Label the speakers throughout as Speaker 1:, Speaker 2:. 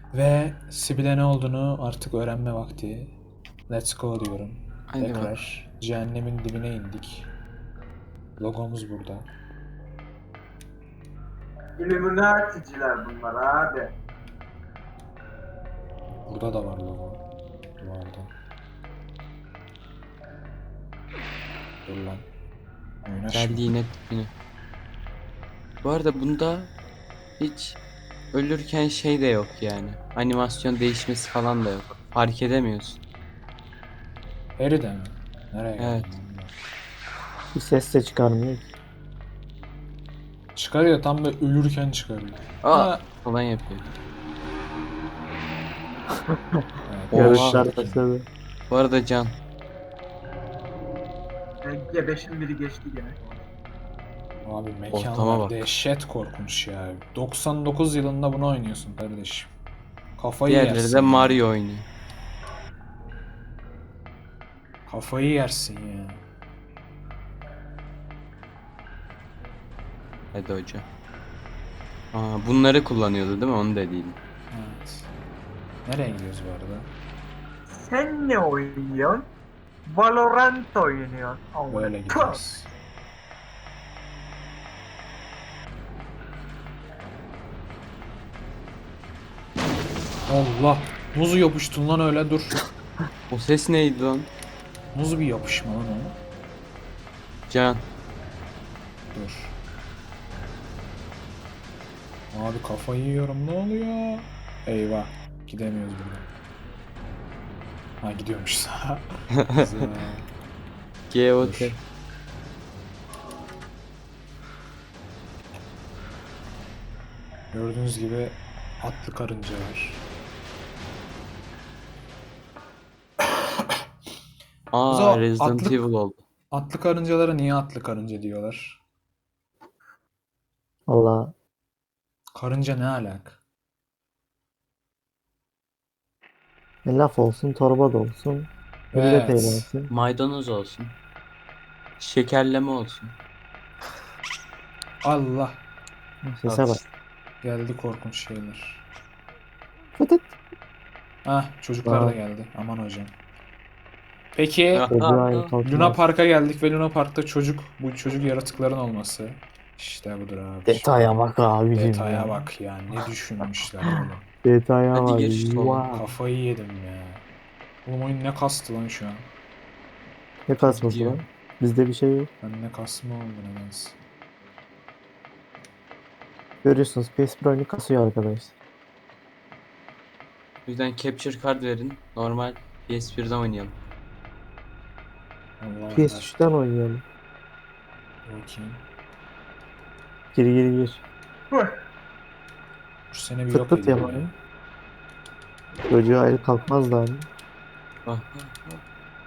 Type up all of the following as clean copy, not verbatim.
Speaker 1: Ve Sibel'e ne olduğunu artık öğrenme vakti. Let's go diyorum.
Speaker 2: Hadi bak.
Speaker 1: Tekrar cehennemin dibine indik. Logomuz burada.
Speaker 3: Illuminati'ciler bunlar abi.
Speaker 1: Burada da var logo. Duvarda. Dur lan. Oynaşma.
Speaker 2: Geldi yine tipini. Bu arada bunda hiç ölürken şey de yok yani. Animasyon değişmesi falan da yok. Fark edemiyorsun.
Speaker 1: Harry de mi? Nereye
Speaker 2: Evet.
Speaker 1: geldin? lan?
Speaker 4: Bir ses de çıkarmıyor ki.
Speaker 1: Çıkarıyor, tam böyle ölürken çıkarıyor.
Speaker 2: Aa
Speaker 1: Ha.
Speaker 2: falan yapıyor.
Speaker 1: Evet,
Speaker 2: Oha.
Speaker 4: Yarışlar
Speaker 1: bakayım.
Speaker 4: başladı.
Speaker 2: Bu arada Can,
Speaker 3: G5'in biri geçti gene.
Speaker 1: Abi
Speaker 2: Ortama
Speaker 1: mekanlar
Speaker 2: bak.
Speaker 1: dehşet korkunç ya. 99 yılında bunu oynuyorsun kardeşim. Kafayı
Speaker 2: diğerleri
Speaker 1: yersin
Speaker 2: de
Speaker 1: ya.
Speaker 2: Mario oynuyor.
Speaker 1: Kafayı yersin ya.
Speaker 2: Hadi hocam. Aa, bunları kullanıyordu değil mi? Onu da değil.
Speaker 1: Evet. Nereye gidiyoruz bu arada?
Speaker 3: Sen ne oynuyorsun? Valorant oynuyorsun. Amına
Speaker 1: Böyle
Speaker 3: koyayım.
Speaker 1: gidiyoruz. Allah! Muzu yapıştın lan öyle, dur.
Speaker 2: O ses neydi lan?
Speaker 1: Muzu bir yapışma lan o.
Speaker 2: Can.
Speaker 1: Dur. Abi kafayı yiyorum, ne oluyor? Eyvah. Gidemiyoruz buradan. Ha, gidiyormuşuz. Güzel.
Speaker 2: GOT.
Speaker 1: Dur. Gördüğünüz gibi atlı karınca var.
Speaker 2: Aa,
Speaker 1: Zo,
Speaker 2: Resident
Speaker 1: atlı-
Speaker 2: Evil oldu.
Speaker 1: Atlı karıncalara niye atlı karınca diyorlar?
Speaker 4: Valla
Speaker 1: Karınca ne alak?
Speaker 4: laf olsun torba da olsun. Millet
Speaker 1: Evet.
Speaker 4: eğlensin.
Speaker 2: Maydanoz olsun. Şekerleme olsun.
Speaker 1: Allah.
Speaker 4: Sese bak.
Speaker 1: Geldi korkunç şeyler.
Speaker 4: Fıtıt.
Speaker 1: Ah, çocuklar da
Speaker 4: Aa.
Speaker 1: geldi. Aman hocam. Peki
Speaker 4: Çocuğu aynı
Speaker 1: Luna
Speaker 4: kalkmaz.
Speaker 1: Park'a geldik ve Luna Park'ta bu çocuk yaratıkların olması. İşte budur abi.
Speaker 4: Detaya bak abicim
Speaker 1: Detaya
Speaker 4: ya.
Speaker 1: bak ya. Ne düşünmüşler oğlum.
Speaker 4: Detaya
Speaker 2: Hadi
Speaker 4: bak.
Speaker 2: geç şu oğlum.
Speaker 4: Wow.
Speaker 1: Kafayı yedim ya. Oğlum oyun ne kastı lan şu an.
Speaker 4: Ne kasması
Speaker 2: Gidiyor.
Speaker 4: lan? Bizde bir şey yok.
Speaker 1: Ben ne kasma oldu nedense.
Speaker 4: Görüyorsunuz PS1 oyunu kasıyor arkadaşlar.
Speaker 2: O yüzden capture card verin. Normal PS1'den oynayalım.
Speaker 1: Allah Allah.
Speaker 4: PS3'ten oynayalım.
Speaker 1: Bakayım.
Speaker 4: Gir.
Speaker 1: Şu sene bir
Speaker 4: Tık
Speaker 1: yok
Speaker 4: tıt
Speaker 1: edeyim ya.
Speaker 4: yapalım. Çocuğa el kalkmaz da hani.
Speaker 2: Bak bak bak.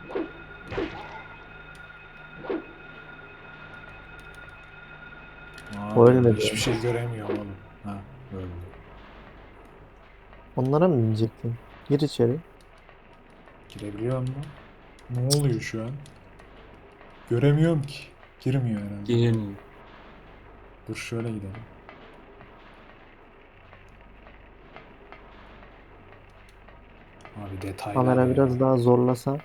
Speaker 1: Aa,
Speaker 4: Ölmedi.
Speaker 1: hiçbir şey göremiyor oğlum. Ha, öldü.
Speaker 4: Onlara mı binecektin? Gir içeri.
Speaker 1: Girebiliyor mu? Ne oluyor şu an? Göremiyorum ki. Girmiyor herhalde.
Speaker 2: Girilmiyor.
Speaker 1: Dur şöyle gidelim. Abi detaylar
Speaker 4: Kamera
Speaker 1: ya.
Speaker 4: biraz daha zorlasa.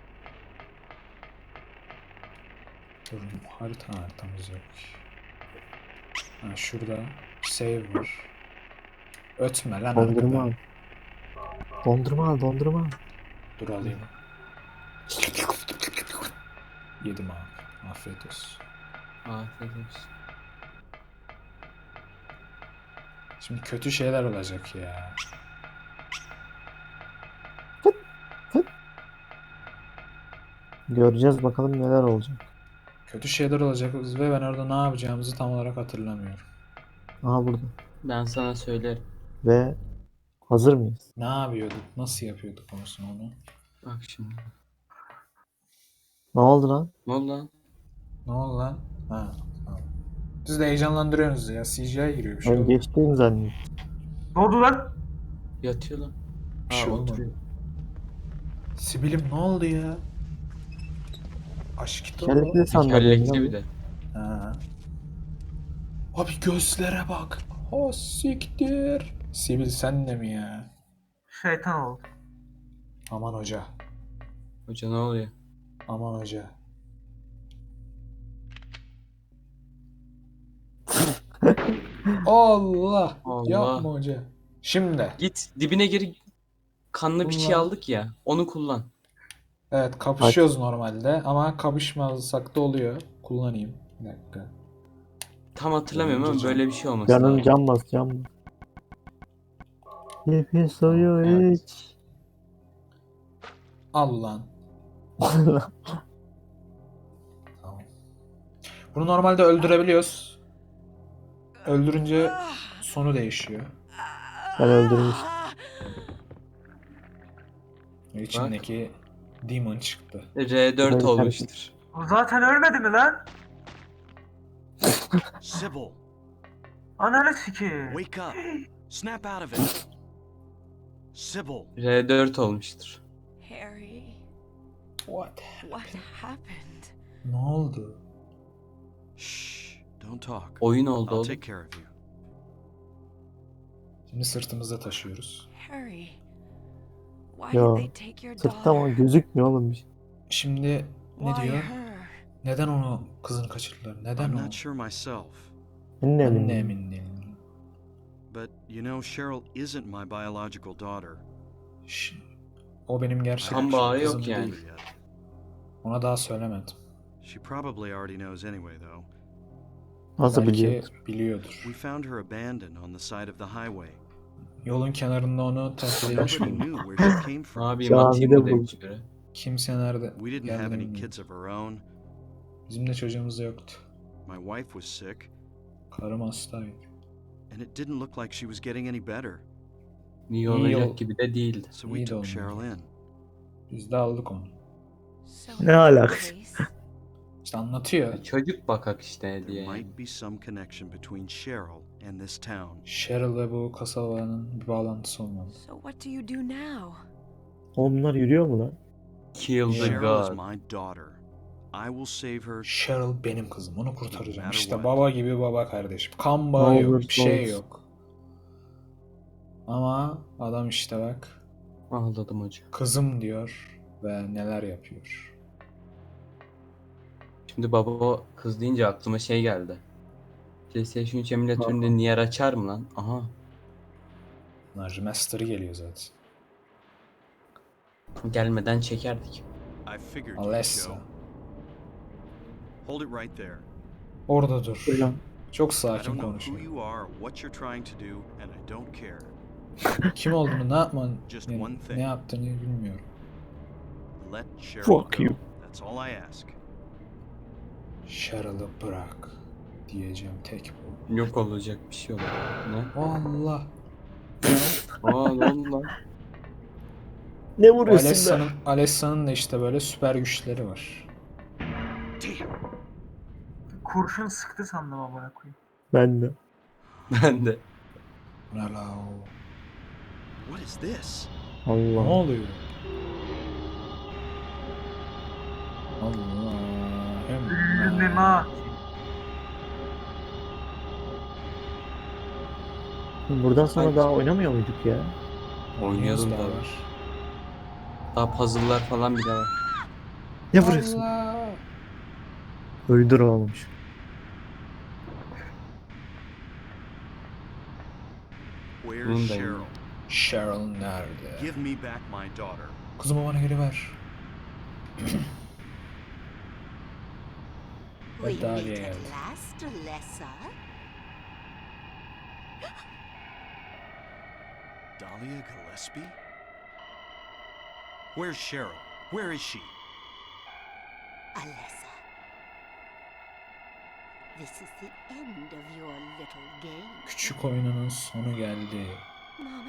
Speaker 1: Dur, haritamız yok. Ha, şurada save var. Ötme lan
Speaker 4: Dondurma al.
Speaker 1: arkadan.
Speaker 4: Dondurma al.
Speaker 1: Dur alayım. Yedim abi. Afiyet olsun.
Speaker 2: Afiyet olsun.
Speaker 1: Şimdi kötü şeyler olacak ya.
Speaker 4: Göreceğiz bakalım neler olacak.
Speaker 1: Kötü şeyler olacak ve ben orada ne yapacağımızı tam olarak hatırlamıyorum.
Speaker 4: Aha burada.
Speaker 2: Ben sana söylerim.
Speaker 4: Ve hazır mıyız?
Speaker 1: Ne yapıyorduk? Nasıl yapıyorduk konusunu onu?
Speaker 2: Bak şimdi.
Speaker 4: Ne oldu lan?
Speaker 2: Ne oldu lan?
Speaker 1: Ne oldu lan? Ha, tamam. Siz de heyecanlandırıyorsunuz ya. CGI giriyor, bir şey
Speaker 4: Ben
Speaker 1: oldu.
Speaker 4: geçtiğim zannettim.
Speaker 3: Ne oldu lan?
Speaker 2: Yatıyor lan.
Speaker 1: Bir şey olmadı.
Speaker 2: oturuyor.
Speaker 1: Sibil'im ne oldu ya? Aşk o.
Speaker 4: Kelletli sandalye.
Speaker 2: Tekerlekli bir de.
Speaker 1: Ha. Abi gözlere bak. O siktir. Sibil sen de mi ya?
Speaker 3: Şeytan oldu.
Speaker 1: Aman hoca.
Speaker 2: Hoca ne oluyor?
Speaker 1: Aman hoca. Allah.
Speaker 2: Allah.
Speaker 1: Yapma hoca. Şimdi.
Speaker 2: Git dibine gir. Kanlı bir şey
Speaker 1: Kullan.
Speaker 2: aldık ya. Onu kullan.
Speaker 1: Evet kapışıyoruz normalde ama kapışmasak da oluyor. Kullanayım. Bir dakika.
Speaker 2: Tam hatırlamıyorum ama
Speaker 1: Önce
Speaker 2: böyle bir şey olması
Speaker 4: Canım
Speaker 2: lazım.
Speaker 4: can bas can bas. Nefes suyu
Speaker 2: Evet.
Speaker 4: iç.
Speaker 1: Al lan. Tamam. Bunu normalde öldürebiliyoruz. Öldürünce sonu değişiyor.
Speaker 4: Ben öldürmüştüm.
Speaker 1: İçindeki demon çıktı.
Speaker 2: R4
Speaker 4: Ben
Speaker 2: olmuştur.
Speaker 3: O zaten ölmedi mi lan?
Speaker 5: Sybil,
Speaker 3: Ananı sikeyim.
Speaker 5: wake up. Snap out of it. Sybil,
Speaker 2: R4 olmuştur.
Speaker 6: Harry,
Speaker 1: What?
Speaker 6: what happened?
Speaker 1: Ne oldu?
Speaker 5: shh, don't talk.
Speaker 2: Oyun oldu
Speaker 5: I'll
Speaker 2: oğlum.
Speaker 5: take care of you.
Speaker 1: Şimdi sırtımızda taşıyoruz.
Speaker 6: Harry, why
Speaker 4: Ya,
Speaker 6: did they take your
Speaker 4: Sırtta ama
Speaker 6: daughter?
Speaker 4: gözükmüyor oğlum bir şey.
Speaker 1: Şimdi ne
Speaker 6: Why
Speaker 1: diyor?
Speaker 6: her?
Speaker 1: Neden onu kızını kaçırdılar? Neden
Speaker 5: I'm
Speaker 1: o?
Speaker 5: not sure myself,
Speaker 4: Ben de
Speaker 1: Ben de
Speaker 4: eminim.
Speaker 1: emin değilim.
Speaker 5: but you know Cheryl isn't my biological daughter.
Speaker 1: Ş- O benim gerçek
Speaker 2: Kan bağı
Speaker 1: kızım
Speaker 2: yok
Speaker 1: değil.
Speaker 2: yani.
Speaker 5: Yet.
Speaker 1: Ona daha söylemedim.
Speaker 5: She probably already knows anyway, though.
Speaker 4: Nasıl
Speaker 1: Belki
Speaker 4: biliyor?
Speaker 1: biliyordur.
Speaker 5: We found her abandoned on the side of the highway.
Speaker 1: Yolun kenarında onu terk edilmiş
Speaker 5: Nobody
Speaker 1: bulduk.
Speaker 5: knew where she came from.
Speaker 2: Abi
Speaker 4: Camide
Speaker 2: atayım mı
Speaker 4: bulduk.
Speaker 2: demiş biri.
Speaker 1: Kimse nerede
Speaker 5: We didn't have
Speaker 1: geldiğini
Speaker 5: any
Speaker 1: bilmiyor.
Speaker 5: kids of our own.
Speaker 1: Bizim de çocuğumuz da yoktu.
Speaker 5: My wife was sick,
Speaker 1: Karım hastaydı.
Speaker 5: and it didn't look like she was getting any better.
Speaker 2: İyi
Speaker 1: İyi
Speaker 2: olacak
Speaker 1: ol.
Speaker 2: gibi de değildi.
Speaker 5: So we
Speaker 1: İyi de
Speaker 5: took
Speaker 1: olmadı.
Speaker 5: Cheryl in.
Speaker 1: Biz de aldık onu.
Speaker 6: So
Speaker 4: Ne alaka?
Speaker 6: place.
Speaker 1: İşte anlatıyor.
Speaker 2: Çocuk bakak işte
Speaker 5: There
Speaker 2: diye. yani.
Speaker 5: might be some connection between Cheryl and this town.
Speaker 1: Cheryl ve bu kasabanın bir bağlantısı olmalı.
Speaker 6: So what do you do now?
Speaker 4: Oğlum bunlar yürüyor mu lan?
Speaker 2: Kill the
Speaker 5: Cheryl is
Speaker 2: god.
Speaker 5: my daughter. I will save her.
Speaker 1: Cheryl benim kızım. Onu kurtaracağım.
Speaker 5: matter
Speaker 1: İşte
Speaker 5: what.
Speaker 1: baba gibi baba kardeşim. Kan bağı
Speaker 4: Ne
Speaker 1: yok.
Speaker 4: olursa
Speaker 1: Bir şey
Speaker 4: olsun.
Speaker 1: yok. Ama adam işte bak.
Speaker 2: Ağladım hoca.
Speaker 1: Kızım diyor ve neler yapıyor.
Speaker 2: Şimdi baba kız deyince aklıma şey geldi. PlayStation 3 emülatöründe Nier açar mı lan? Aha.
Speaker 1: Bunlar remaster'ı geliyor zaten.
Speaker 2: Gelmeden çekerdik.
Speaker 5: I figured you'd
Speaker 1: Alessa.
Speaker 5: show. Hold it right there.
Speaker 1: Orada dur.
Speaker 4: Hocam.
Speaker 1: Çok
Speaker 5: I
Speaker 1: sakin
Speaker 5: don't know who
Speaker 1: konuşuyor.
Speaker 5: you are, or what you're trying to do, and I don't care.
Speaker 1: Kim olduğunu ne yapman,
Speaker 5: Just
Speaker 1: yani
Speaker 5: one thing.
Speaker 1: ne yaptığını bilmiyorum.
Speaker 5: Let Cheryl
Speaker 4: Fuck
Speaker 5: go.
Speaker 4: you.
Speaker 5: That's all I ask.
Speaker 1: Cheryl'ı bırak diyeceğim tek bu.
Speaker 2: Yok olacak bir şey olur. Ne?
Speaker 1: Allah.
Speaker 2: Aa ne oldu lan?
Speaker 4: Ne vuruyorsun be?
Speaker 1: Alessa'nın da işte böyle süper güçleri var.
Speaker 5: Damn.
Speaker 3: Kurşun sıktı sandım amına koyayım.
Speaker 4: Ben de.
Speaker 2: Ben de.
Speaker 1: Ne la o?
Speaker 5: What is this?
Speaker 1: Ne
Speaker 4: Allah.
Speaker 1: oluyor? Allah.
Speaker 3: Ünlüm ha.
Speaker 4: Buradan sonra
Speaker 2: Sanki-
Speaker 4: daha oynamıyor muyduk ya?
Speaker 2: Oynuyordum
Speaker 1: daha
Speaker 2: da.
Speaker 1: var.
Speaker 2: Daha puzzle'lar falan bile var.
Speaker 4: Ne vuruyorsun?
Speaker 1: Allah.
Speaker 4: Öldür oğlum şu.
Speaker 5: Where's
Speaker 2: Bunun da
Speaker 5: Cheryl?
Speaker 2: yine.
Speaker 1: Cheryl nerede?
Speaker 5: Give me back my daughter.
Speaker 1: Kızımı bana geri ver.
Speaker 7: We
Speaker 1: Dahlia
Speaker 7: meet
Speaker 1: geldi.
Speaker 7: at last, Alessa.
Speaker 5: Dahlia Gillespie? Where's Cheryl? Where is she?
Speaker 7: Alessa. This is the end of your little game.
Speaker 1: Küçük oyununun sonu geldi.
Speaker 6: Mama?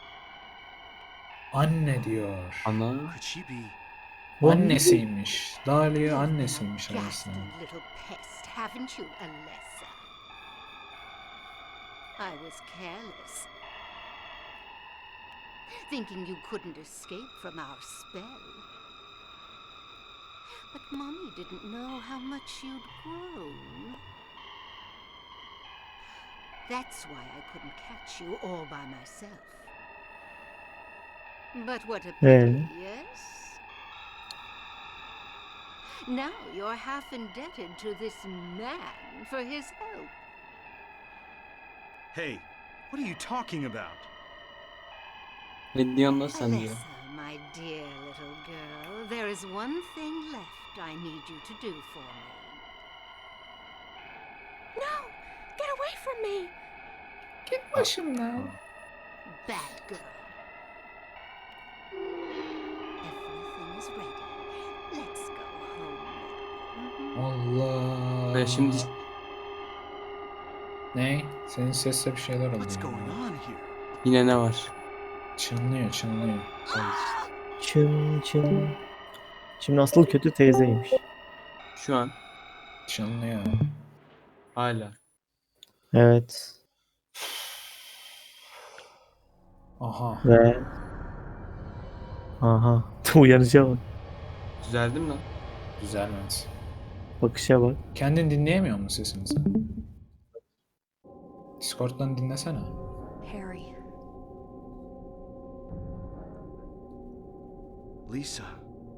Speaker 1: Anne diyor.
Speaker 2: Ana.
Speaker 5: Could she be?
Speaker 1: Annesiymiş. Dahlia
Speaker 7: You've
Speaker 1: annesiymiş
Speaker 7: been a
Speaker 1: aslında.
Speaker 7: ghastly little pest, haven't you, Alessa? I was careless, thinking you couldn't escape from our spell. But Mommy didn't know how much you'd grown. That's why I couldn't catch you all by myself. But what a
Speaker 4: Hey.
Speaker 7: pity, yes? Now you're half indebted to this man for his help.
Speaker 5: Hey, what are you talking about?
Speaker 2: Ne diyorsun lan sen diyor.
Speaker 7: Alyssa, my dear little girl, there is one thing left I need you to do for me.
Speaker 6: No! Get away from me!
Speaker 1: Git başımdan.
Speaker 7: Bad girl. Everything is ready. Let's go home now.
Speaker 1: Allah.
Speaker 2: Ve şimdi
Speaker 1: Ne? Senin sesle bir şeyler oluyor.
Speaker 5: What's going on here?
Speaker 2: yine ne var?
Speaker 1: Çınlıyor, çınlıyor.
Speaker 4: Çın çın. Şimdi asıl kötü teyzeymiş.
Speaker 2: Şu an
Speaker 1: Çınlıyor.
Speaker 2: hala.
Speaker 4: Evet.
Speaker 1: Aha.
Speaker 4: Ve aha. Uyanışa bak.
Speaker 2: Düzeldim lan.
Speaker 1: Düzelmez.
Speaker 4: Bakışa bak.
Speaker 1: Kendin dinleyemiyor musun sesini sen? Discord'dan dinlesene.
Speaker 6: Harry,
Speaker 5: Lisa.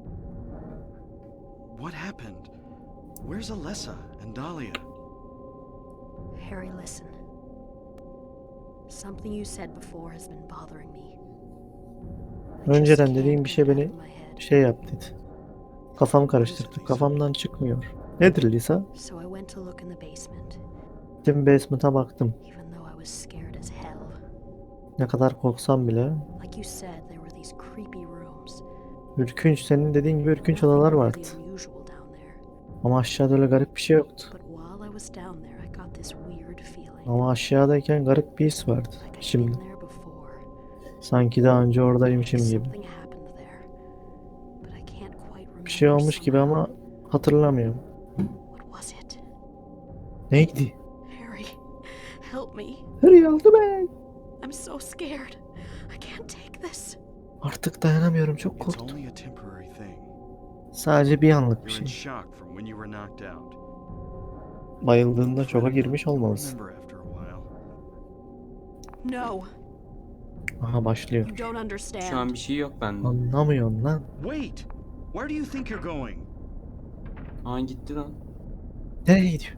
Speaker 5: What happened? Where's Alessa and Dahlia?
Speaker 6: Harry, listen. Something you said before has been bothering me. I just
Speaker 4: Önceden
Speaker 6: can't
Speaker 4: dediğim bir şey
Speaker 6: get it
Speaker 4: beni
Speaker 6: out of my head.
Speaker 4: şey yap dedi. Kafam karıştırdı. Kafamdan çıkmıyor. Nedir Lisa?
Speaker 6: So I went to look in the basement,
Speaker 4: Gittim basement'a baktım.
Speaker 6: even though I was scared as hell.
Speaker 4: Ne kadar korksam bile.
Speaker 6: Like you said, there were these creepy rooms.
Speaker 4: Ürkünç, senin dediğin gibi ürkünç odalar
Speaker 6: Nothing
Speaker 4: vardı.
Speaker 6: really unusual down there.
Speaker 4: Ama aşağıda öyle garip bir şey yoktu.
Speaker 6: But while I was down there, I got this weird feeling.
Speaker 4: Ama aşağıdayken garip bir his vardı.
Speaker 6: Like I'd been
Speaker 4: Şimdi
Speaker 6: there before.
Speaker 4: sanki daha önce oradaymışım gibi.
Speaker 6: Something happened there. But I can't quite remember.
Speaker 4: Bir şey olmuş gibi
Speaker 6: somehow.
Speaker 4: ama hatırlamıyorum.
Speaker 6: What was it?
Speaker 4: Neydi?
Speaker 6: Harry, help me.
Speaker 4: Harry yardım et.
Speaker 6: I'm so scared. I can't take this.
Speaker 4: Artık dayanamıyorum, çok
Speaker 5: It's
Speaker 4: korktum.
Speaker 5: only a temporary thing.
Speaker 4: Sadece bir anlık bir
Speaker 5: You're in
Speaker 4: şey.
Speaker 5: shock from when you were knocked out.
Speaker 4: Bayıldığında şoka girmiş olmalısın.
Speaker 5: Remember after a while.
Speaker 6: No,
Speaker 4: Aha başlıyor.
Speaker 6: you don't understand.
Speaker 2: Şu an bir şey yok bende.
Speaker 4: Anlamıyorum lan.
Speaker 5: Wait! Where do you think you're going?
Speaker 2: Aa gitti lan.
Speaker 4: Nereye gidiyor?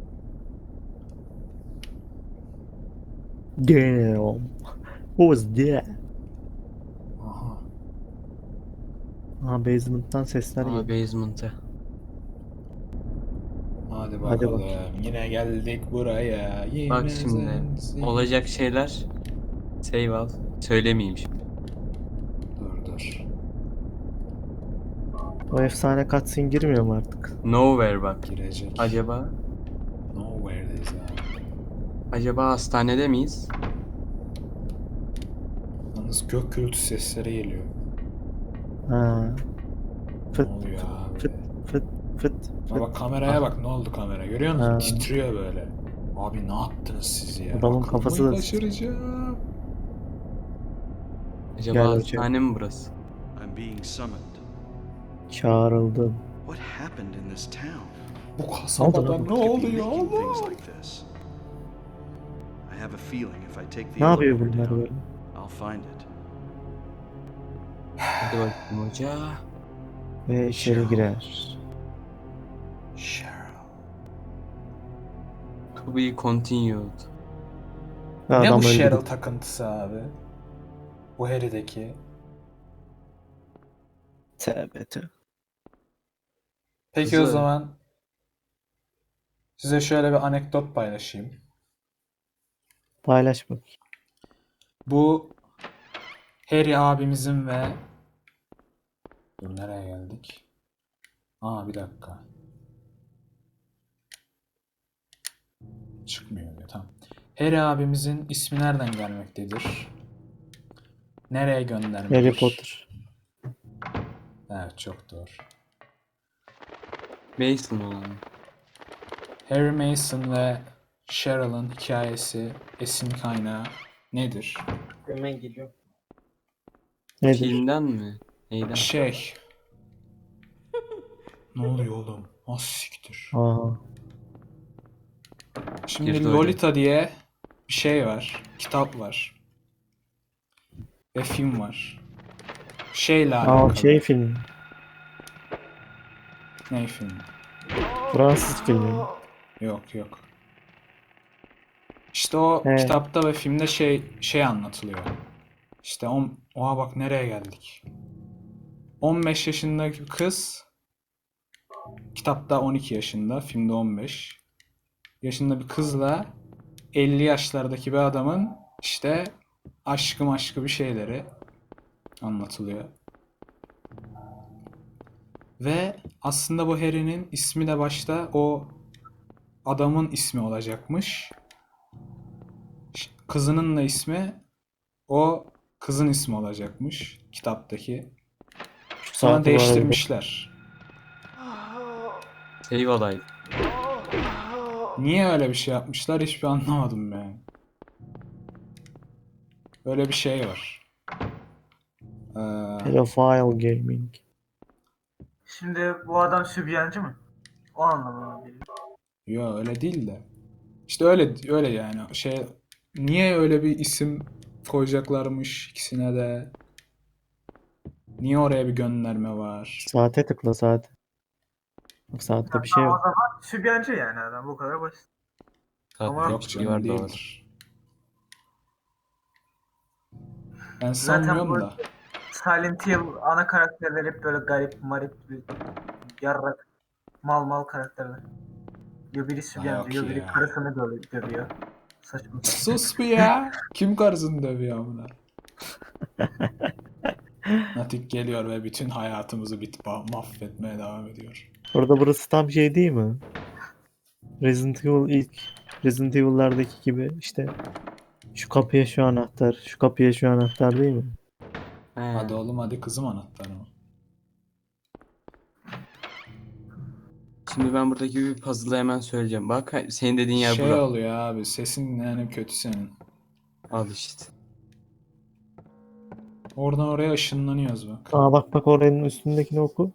Speaker 4: Damn. Who was that?
Speaker 1: Aha.
Speaker 4: Aha basement'tan sesler
Speaker 2: Aa
Speaker 4: geliyor.
Speaker 2: basement'e.
Speaker 1: Hadi
Speaker 4: Hadi
Speaker 1: bakalım.
Speaker 4: bakayım.
Speaker 1: Yine geldik buraya. Yine
Speaker 2: Bak şimdi
Speaker 1: sensin.
Speaker 2: olacak şeyler. Save al. Söylemeyeyim şimdi.
Speaker 1: Dur.
Speaker 4: O efsane cutscene girmiyor mu artık?
Speaker 2: Nowhere bak.
Speaker 1: Girecek.
Speaker 2: Acaba
Speaker 1: Nowhere'deyiz abi.
Speaker 2: hastanede miyiz?
Speaker 1: Yalnız gök gürültü sesleri geliyor.
Speaker 4: Ha.
Speaker 1: Ne
Speaker 4: Fıt
Speaker 1: oluyor abi?
Speaker 4: fıt fıt fıt
Speaker 1: Ha
Speaker 4: fıt.
Speaker 1: bak kameraya bak, ne oldu kamera, görüyor musun?
Speaker 4: Ha.
Speaker 1: Titriyor böyle. Abi ne yaptınız siz ya?
Speaker 4: Adamın
Speaker 1: Aklımı
Speaker 4: kafası da-
Speaker 1: kaçıracağım.
Speaker 2: Acaba
Speaker 4: Gel
Speaker 2: hastane mi burası?
Speaker 5: I'm being summoned.
Speaker 4: Çağrıldım.
Speaker 5: What happened in this town?
Speaker 1: Bu kasabada
Speaker 4: lan?
Speaker 1: ne
Speaker 5: Could be
Speaker 1: oluyor
Speaker 5: making things
Speaker 1: Allah?
Speaker 5: like this. I have a feeling if I take the
Speaker 4: Ne yapıyor
Speaker 5: elevator
Speaker 4: bunlar
Speaker 5: down,
Speaker 4: böyle?
Speaker 5: I'll find it.
Speaker 2: Hadi bakayım hoca.
Speaker 4: Ve içeri girer.
Speaker 1: Cheryl.
Speaker 2: To be continued.
Speaker 4: Ve
Speaker 1: Ne
Speaker 4: adam
Speaker 1: bu
Speaker 4: öldü.
Speaker 1: Cheryl takıntısı abi? Bu Harry'deki.
Speaker 4: Tövbe tövbe.
Speaker 1: Peki o
Speaker 2: Güzel.
Speaker 1: zaman size şöyle bir anekdot paylaşayım.
Speaker 4: Paylaş bak.
Speaker 1: Bu Harry abimizin ve dur nereye geldik? Aa bir dakika. Çıkmıyor diyor, tamam. Harry abimizin ismi nereden gelmektedir? Nereye göndermedir?
Speaker 4: Harry Potter.
Speaker 1: Evet, çok doğru.
Speaker 2: Mason olan.
Speaker 1: Harry Mason ve Cheryl'ın hikayesi, esin kaynağı nedir?
Speaker 4: Hemen geliyor. Nedir?
Speaker 2: Filmden mi? Neyden?
Speaker 1: Ne oluyor oğlum? Az siktir.
Speaker 4: Aha.
Speaker 1: Şimdi
Speaker 2: Girdi hocam.
Speaker 1: Lolita diye bir şey var. Kitap var. Ve film var. Şeyle
Speaker 4: Aa
Speaker 1: alakalı.
Speaker 4: şey film.
Speaker 1: Ne film?
Speaker 4: Fransız filmi.
Speaker 1: Yok yok. İşte o
Speaker 4: He.
Speaker 1: kitapta ve filmde şey anlatılıyor. İşte oha bak nereye geldik. 15 yaşındaki bir kız, kitapta 12 yaşında, filmde 15 yaşında bir kızla 50 yaşlardaki bir adamın işte aşkı bir şeyleri anlatılıyor. Ve aslında bu Harry'nin ismi de başta o adamın ismi olacakmış. Kızının da ismi o kızın ismi olacakmış kitaptaki.
Speaker 4: Şu
Speaker 1: Sonra
Speaker 4: saati bu arada
Speaker 1: değiştirmişler.
Speaker 2: Save olaydı.
Speaker 1: Niye öyle bir şey yapmışlar hiçbir anlamadım ben. Böyle bir şey var.
Speaker 4: Pedophile Gaming.
Speaker 3: Şimdi bu adam sübyancı mı? O anlamına geliyor.
Speaker 1: Yo öyle değil de. İşte öyle yani. Niye öyle bir isim koyacaklarmış ikisine de? Niye oraya bir gönderme var?
Speaker 4: Saate tıkla saate. Bak saatte bir şey
Speaker 3: O
Speaker 4: yok.
Speaker 3: zaman sübyancı yani adam, bu kadar basit. Ama
Speaker 2: Zaten
Speaker 1: Yok
Speaker 2: hiçbiri
Speaker 1: canım
Speaker 2: var doğru.
Speaker 1: değildir. Ben
Speaker 3: Zaten
Speaker 1: sanmıyorum
Speaker 3: bu
Speaker 1: da.
Speaker 3: Silent Hill ana karakterler hep böyle garip, marip, bir yarrak, mal karakterler. Yo biri sübyancı,
Speaker 1: yok
Speaker 3: yo biri
Speaker 1: ya.
Speaker 3: karısını dövüyor. Saçma.
Speaker 1: Sus bir ya. Kim karısını dövüyor amına? Natik geliyor ve bütün hayatımızı mahvetmeye devam ediyor.
Speaker 4: Orada burası tam şey değil mi? Resident Evil'lardaki gibi işte şu kapıya şu anahtar, şu kapıya şu anahtar değil mi?
Speaker 2: He.
Speaker 1: Hadi oğlum hadi kızım anahtarımı.
Speaker 2: Şimdi ben buradaki bir puzzle'ı hemen söyleyeceğim. Bak senin dediğin yer
Speaker 1: Şey
Speaker 2: bura.
Speaker 1: oluyor abi sesin yani kötü senin.
Speaker 2: Al işte.
Speaker 1: Oradan oraya ışınlanıyoruz bak.
Speaker 4: Aa bak oranın üstündekini oku.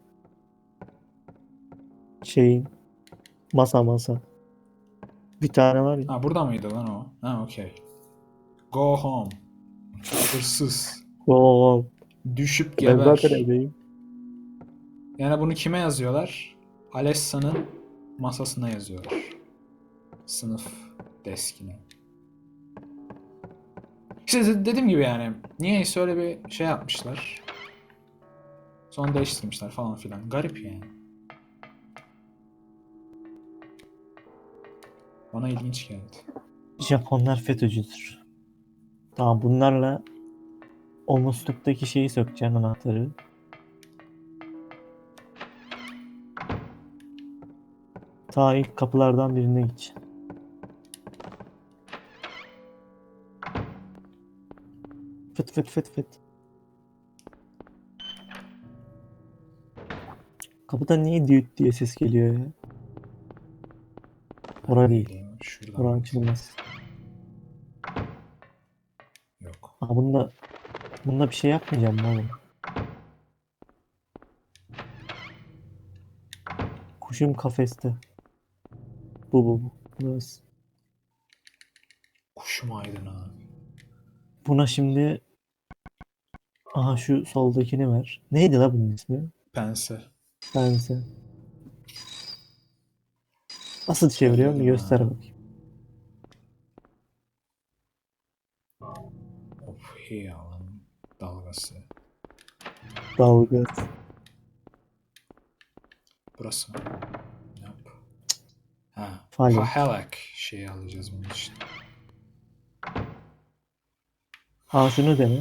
Speaker 4: Şeyin masa. Bir tane var ya.
Speaker 1: Ha burada mıydı lan o? Ha okey. Go home. Hırsız.
Speaker 4: Oo,
Speaker 1: Düşüp
Speaker 4: ben zaten
Speaker 1: geber.
Speaker 4: evdeyim.
Speaker 1: Yani bunu kime yazıyorlar? Alessa'nın masasına yazıyorlar. Sınıf deskine. İşte dediğim gibi yani. Niyeyse öyle bir şey yapmışlar. Sonra değiştirmişler falan filan. Garip yani. Bana ilginç geldi.
Speaker 4: Japonlar FETÖ'cüdür. Tamam bunlarla o musluktaki şeyi sökeceksin anahtarı. Ta ilk kapılardan birine gideceksin. Fıt. Kapıda niye düğüt diye ses geliyor ya? Orada değil.
Speaker 1: Bileyim, şuradan.
Speaker 4: Orada açılmaz.
Speaker 1: Yok.
Speaker 4: Aa bunda bir şey yapmayacağım mı oğlum? Kuşum kafeste. Bu. Burası.
Speaker 1: Kuşum aydın abi.
Speaker 4: Buna şimdi aha şu soldakini ver. Neydi la bunun ismi?
Speaker 1: Pense.
Speaker 4: Bense. Nasıl çeviriyorum bir
Speaker 1: Söyledim
Speaker 4: göster
Speaker 1: ha.
Speaker 4: bakayım.
Speaker 1: Of hey alan dalgası.
Speaker 4: Dalga.
Speaker 1: Burası mı? Yap. Ha.
Speaker 4: Falek.
Speaker 1: Pahelak şeyi alacağız bunun için.
Speaker 4: Aa şunu dene.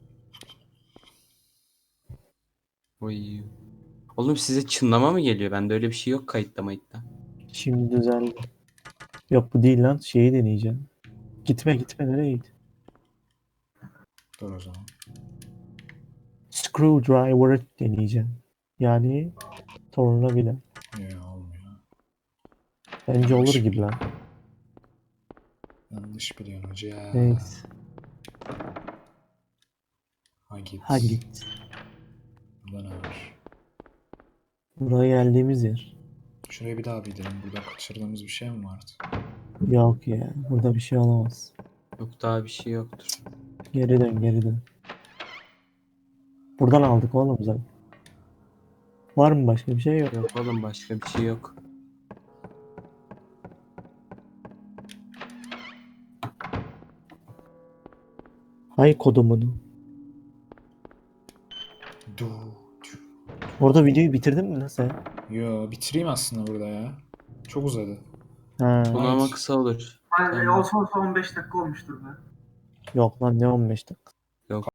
Speaker 2: Oy. Oğlum size çınlama mı geliyor? Bende öyle bir şey yok kayıtta mayıtta.
Speaker 4: Şimdi düzeldi. Yok bu değil lan. Şeyi deneyeceğim. Gitme nereye git?
Speaker 1: Dur o zaman.
Speaker 4: Screwdriver deneyeceğim. Yani tornavida.
Speaker 1: Yok olmuyor.
Speaker 4: Bence olur gibi lan.
Speaker 1: Yanlış biliyorsun hoca.
Speaker 4: Neyse.
Speaker 1: Ha git.
Speaker 4: Ha git.
Speaker 1: Burada ne var?
Speaker 4: Buraya geldiğimiz yer.
Speaker 1: Şuraya bir daha bir gidelim. Burada kaçırdığımız bir şey mi vardı?
Speaker 4: Yok ya. Burada bir şey olamaz.
Speaker 2: Yok daha bir şey yoktur.
Speaker 4: Geri dön. Buradan aldık oğlum zaten. Var mı başka bir şey yok.
Speaker 2: Yok oğlum, başka bir şey yok.
Speaker 4: Hay kodumunu.
Speaker 1: Du.
Speaker 4: Orada videoyu bitirdin mi lan sen?
Speaker 1: Yo, bitireyim aslında burada ya. Çok uzadı.
Speaker 4: Ha,
Speaker 2: Bunu
Speaker 1: Evet.
Speaker 2: ama kısa olur.
Speaker 3: Hani
Speaker 2: Tamam.
Speaker 3: olsa 15 dakika olmuştur be.
Speaker 4: yok lan ne 15 dakika.